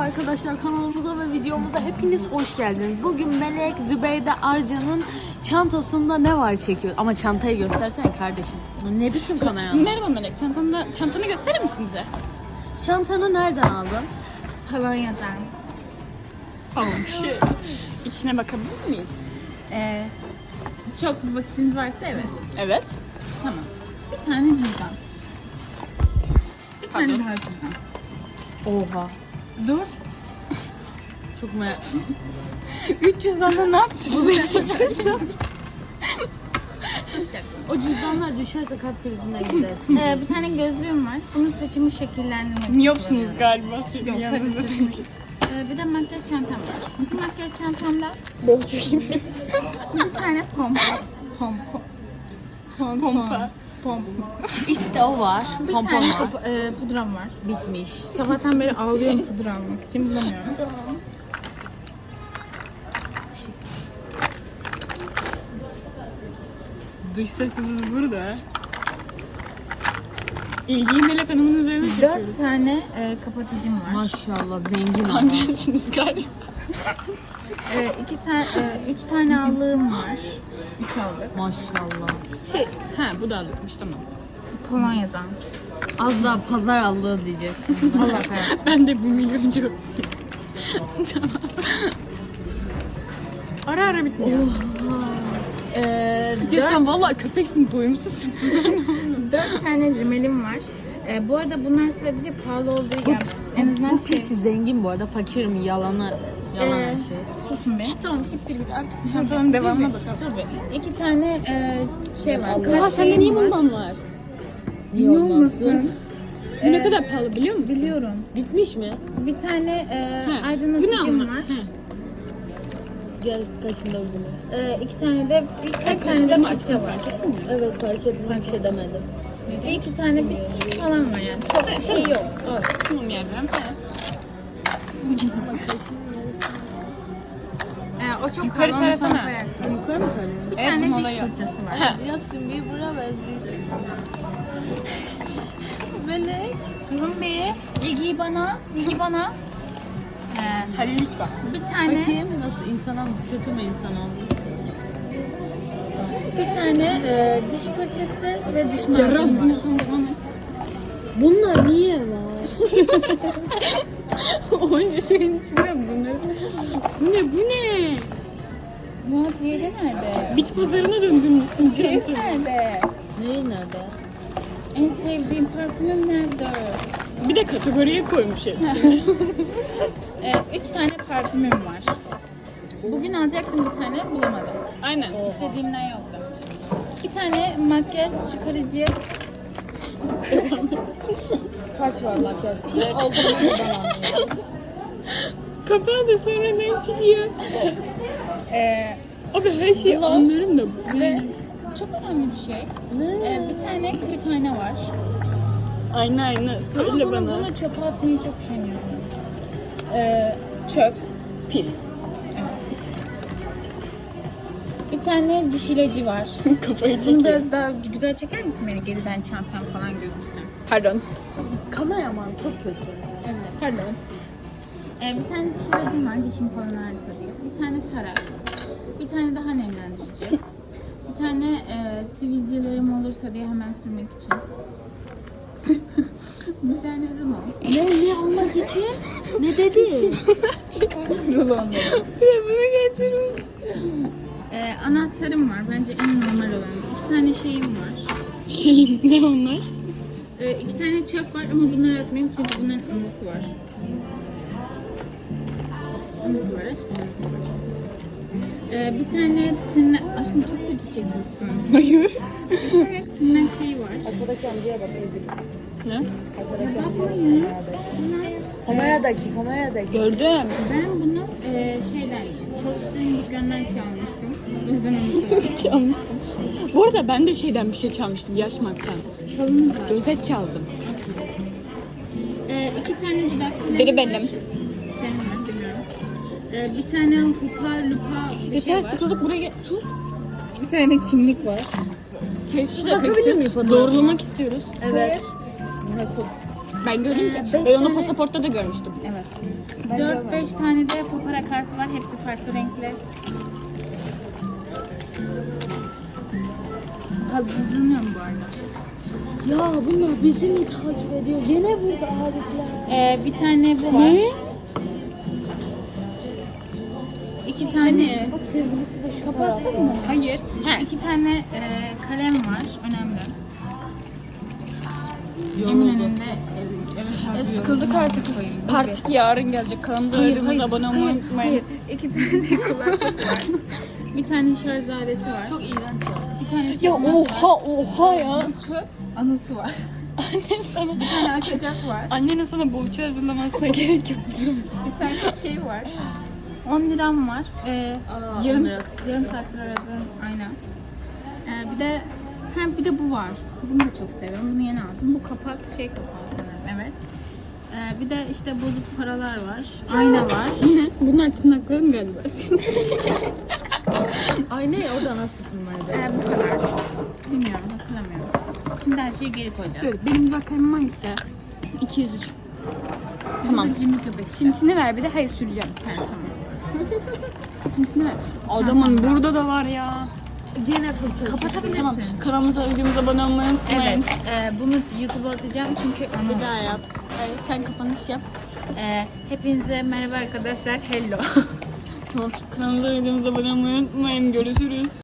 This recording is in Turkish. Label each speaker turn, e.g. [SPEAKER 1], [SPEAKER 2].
[SPEAKER 1] arkadaşlar, kanalımıza ve videomuza hepiniz hoş geldiniz. Bugün Melek, Zübeyde, Arcan'ın çantasında ne var çekiyor. Ama çantayı göstersene kardeşim. Ne biçim kamera?
[SPEAKER 2] Merhaba Melek, çantanı gösterir misin bize?
[SPEAKER 1] Çantanı nereden aldın?
[SPEAKER 3] Polonya'dan.
[SPEAKER 2] İçine bakabilir miyiz?
[SPEAKER 3] Çok vakitiniz varsa evet.
[SPEAKER 2] Evet.
[SPEAKER 3] Tamam. Bir tane cüzdan. Bir tane daha cüzdan.
[SPEAKER 1] Oha.
[SPEAKER 3] Dur.
[SPEAKER 1] Çok merak.
[SPEAKER 2] 300'dan da ne yaptın?
[SPEAKER 3] Susacaksın.
[SPEAKER 1] O cüzdanlar düşerse kalp krizinden gidersin.
[SPEAKER 3] Bir tane gözlüğüm var. Bunun saçımı şekillendirmek için
[SPEAKER 2] Miyopsunuz
[SPEAKER 3] kullanıyorum.
[SPEAKER 2] galiba.
[SPEAKER 3] Yok, sadece saçımı. Bir de makyaj çantam var. Bu makyaj çantamda
[SPEAKER 2] Bol çekeyim.
[SPEAKER 3] bir tane pompa.
[SPEAKER 1] İşte o var.
[SPEAKER 3] Bir
[SPEAKER 1] Pompon
[SPEAKER 3] tane
[SPEAKER 1] var.
[SPEAKER 3] pudram var.
[SPEAKER 1] Bitmiş.
[SPEAKER 3] Sabahtan beri ağlıyorum pudra almak için, bulamıyorum.
[SPEAKER 2] Dış sesimiz burada. İlgiyi Melek Hanım'ın üzerine çekiyoruz.
[SPEAKER 3] 4 tane kapatıcım var.
[SPEAKER 1] Maşallah zengin ama.
[SPEAKER 2] Anlarsınız galiba.
[SPEAKER 3] 3 tane allığım var. 3 allık.
[SPEAKER 1] Maşallah.
[SPEAKER 2] Bu da aldıkmış, tamam.
[SPEAKER 3] Polonya'dan.
[SPEAKER 1] Az daha pazar aldığı diyecektim.
[SPEAKER 3] Allah
[SPEAKER 2] Ben de 1 milyoncu. Tamam. Ara bitmiyor. Ya sen vallahi köpeksin, doyumsuzsun.
[SPEAKER 3] 4 tane rimelim var. Bu arada bunlar sadece pahalı olduğu için en azından
[SPEAKER 1] Bu piç zengin bu arada, fakir mi? Yalan her şey.
[SPEAKER 3] susun be.
[SPEAKER 2] Tamam, siktir git artık çantanın devamına bakalım.
[SPEAKER 3] Tabii. 2 tane şey var.
[SPEAKER 1] Allah,
[SPEAKER 2] Sende niye bundan var?
[SPEAKER 1] Niye olmasın?
[SPEAKER 2] Bu ne kadar pahalı biliyor musun?
[SPEAKER 3] Biliyorum.
[SPEAKER 1] Bitmiş mi?
[SPEAKER 3] Bir tane
[SPEAKER 2] Bu ne
[SPEAKER 3] aydınlatıcım
[SPEAKER 2] ama?
[SPEAKER 3] var.
[SPEAKER 1] Gel kaşında bunu.
[SPEAKER 3] 2 tane de birkaç tane de
[SPEAKER 2] Kaşlarımı
[SPEAKER 3] fırça
[SPEAKER 2] açtım,
[SPEAKER 3] var.
[SPEAKER 2] fark ettin mi?
[SPEAKER 1] Evet, fark ettim, bir şey demedim.
[SPEAKER 3] Bir 2 tane bir tik falan var yani. Çok bir şey yok. Evet.
[SPEAKER 2] Tamam yavrum.
[SPEAKER 3] O çok
[SPEAKER 2] Yukarı
[SPEAKER 3] pahalı, onu sonra
[SPEAKER 2] tarafına.
[SPEAKER 3] koyarsın.
[SPEAKER 1] Yukarı mı kalıyor?
[SPEAKER 3] Bir
[SPEAKER 2] Evet,
[SPEAKER 3] tane
[SPEAKER 2] bunun
[SPEAKER 3] diş
[SPEAKER 2] olayı o.
[SPEAKER 3] fırçası var.
[SPEAKER 1] Yasin bir buna benzeyecek. Melek.
[SPEAKER 3] Durun bir. İlgiyi bana.
[SPEAKER 2] Halil İşbak.
[SPEAKER 3] Bir tane
[SPEAKER 1] Bakayım nasıl, insana kötü mü insan oldu?
[SPEAKER 3] bir tane diş fırçası ve diş macunu var.
[SPEAKER 1] Bunlar niye var?
[SPEAKER 2] Onca şeyin içinde bunları. Bu ne?
[SPEAKER 3] Ya diğeri nerede?
[SPEAKER 2] Bit pazarına döndürmüşsün
[SPEAKER 3] Diğeri
[SPEAKER 2] çantayı.
[SPEAKER 3] nerede?
[SPEAKER 1] Neyi nerede?
[SPEAKER 3] En sevdiğim parfümüm nerede?
[SPEAKER 2] Bir de kategoriye koymuş hepsini.
[SPEAKER 3] 3 tane parfümüm var. Bugün alacaktım bir tane, bulamadım.
[SPEAKER 2] Aynen.
[SPEAKER 3] İstediğimden yoktu. 2 tane makyaj çıkarıcı.
[SPEAKER 1] Saç var bak ya. Pis olduğunu buradan anlıyorum.
[SPEAKER 2] Kapağı da sonra ne çıkıyor? Abi her şeyi
[SPEAKER 3] Gloss
[SPEAKER 2] anlarım da.
[SPEAKER 3] Ve çok önemli bir şey.
[SPEAKER 1] Ne?
[SPEAKER 3] Bir tane kırık ayna var.
[SPEAKER 2] Aynen.
[SPEAKER 3] Ama
[SPEAKER 2] Söyle bana.
[SPEAKER 3] bunu çöpe atmayı çok üşeniyorum. Çöp.
[SPEAKER 2] Pis.
[SPEAKER 3] Bir tane diş ilacı var.
[SPEAKER 2] Kafayı
[SPEAKER 3] Bunu
[SPEAKER 2] çekiyor.
[SPEAKER 3] biraz daha güzel çeker misin beni? Geriden çantam falan gözüksün.
[SPEAKER 2] Pardon.
[SPEAKER 1] Kameraman çok kötü.
[SPEAKER 3] Evet. Pardon. Bir tane diş ilacım var. Dişim falan ağrısa diye. Bir tane tarak. Bir tane daha nemlendirici. Bir tane sivilcelerim olursa diye hemen sürmek için. Bir tane rulo.
[SPEAKER 1] Ne almak için? Ne dedi?
[SPEAKER 3] Rulo.
[SPEAKER 2] Bunu geçirmiş.
[SPEAKER 3] Anahtarım var. Bence en normal olan. 2 tane şeyim var.
[SPEAKER 2] Ne onlar?
[SPEAKER 3] 2 tane çöp var ama bunları atmayayım çünkü bunların anısı var. Anısı var aşkım, anısı var. Bir tane tırnak... Aşkım çok kötü çekiyorsun.
[SPEAKER 2] Hayır.
[SPEAKER 3] Bir tane tırnak şeyi var.
[SPEAKER 1] Arkadaki amcaya bak.
[SPEAKER 2] Ne?
[SPEAKER 3] Bakmayın.
[SPEAKER 1] Kameradaki.
[SPEAKER 2] Gördüm.
[SPEAKER 3] Ben bunu şeyden, çalıştığım dükkandan çalmıştım. O yüzden anısı var.
[SPEAKER 2] Çalmıştım. Bu arada ben de şeyden bir şey çalmıştım, Yaşmak'tan.
[SPEAKER 3] Çalınız var.
[SPEAKER 2] Rozet çaldım.
[SPEAKER 3] 2 tane dudak kalemi
[SPEAKER 2] Biri
[SPEAKER 3] var.
[SPEAKER 2] benim.
[SPEAKER 3] Senin mi bilmiyorum. Bir tane hupa lupa bir
[SPEAKER 2] Geçen
[SPEAKER 3] şey var.
[SPEAKER 2] sıkıldık buraya sus.
[SPEAKER 3] Bir tane kimlik var.
[SPEAKER 2] Teşhis
[SPEAKER 1] Bakabilir
[SPEAKER 2] etmek
[SPEAKER 1] miyim
[SPEAKER 2] istiyoruz.
[SPEAKER 1] fotoğrafına?
[SPEAKER 2] Doğrulamak istiyoruz.
[SPEAKER 1] Evet.
[SPEAKER 2] Ben gördüm ki.
[SPEAKER 3] beş
[SPEAKER 2] Ben onu
[SPEAKER 3] tane-
[SPEAKER 2] pasaportta da görmüştüm.
[SPEAKER 3] Evet. 4-5 tane de papara kartı var. Hepsi farklı renkli. Hazırlanıyorum bu arada.
[SPEAKER 1] Ya bunlar bizi mi takip ediyor? Yine burada Arifler.
[SPEAKER 3] Bir tane bu var. İki tane.
[SPEAKER 1] Bak sevgilisi de şu
[SPEAKER 3] Kapattın mı?
[SPEAKER 2] Hayır.
[SPEAKER 3] İki tane kalem var. Önemli. Eminönü'nde
[SPEAKER 2] Sıkıldık artık. Part 2 yarın gelecek. Kanalımıza verdiğimiz abone olmayı unutmayın.
[SPEAKER 3] Hayır. İki tane kulaklık var. Bir tane şarj aleti var. Çok iğrenç ya. Bir tane çakmak var.
[SPEAKER 2] Oha ya.
[SPEAKER 3] Bu çöp anısı var.
[SPEAKER 2] Sana,
[SPEAKER 3] Bir tane açacak var.
[SPEAKER 2] annenin sana boğuçu hazırlamasına gerek yok.
[SPEAKER 3] Bir tane şey var. 10 liram var. Yarım saattir aradığım aynen. Bir de bu var. Bunu da çok seviyorum. Bunu yeni aldım. Bu kapak şey kapağı sanırım. Evet. Bir de işte bozuk paralar var. Ayna var.
[SPEAKER 2] Ne? Bunlar tırnakların galiba.
[SPEAKER 1] Ay ne o da nasıl bunlar?
[SPEAKER 3] Bu kadar. Bilmiyorum hatırlamıyorum. Şimdi her şeyi geri koyacağız.
[SPEAKER 2] Dur, benim bakalım hangisi? 203. Tamam.
[SPEAKER 3] Bu da Jimmy köpek.
[SPEAKER 2] Tintini ver bir de hayır süreceğim.
[SPEAKER 3] Tamam.
[SPEAKER 2] Tintini ver. Adamın burada da var ya.
[SPEAKER 1] Yine fırça.
[SPEAKER 3] Kapatabilirsin.
[SPEAKER 2] Tamam. Kanalımıza videomuza abone olmayı unutmayın.
[SPEAKER 3] Evet. Bunu YouTube'a atacağım çünkü
[SPEAKER 2] Bir daha yap. Hayır, sen kapanış yap.
[SPEAKER 3] Hepinize merhaba arkadaşlar. Hello.
[SPEAKER 2] Tamam. Kanalımıza videomuza abone olmayı unutmayın. Görüşürüz.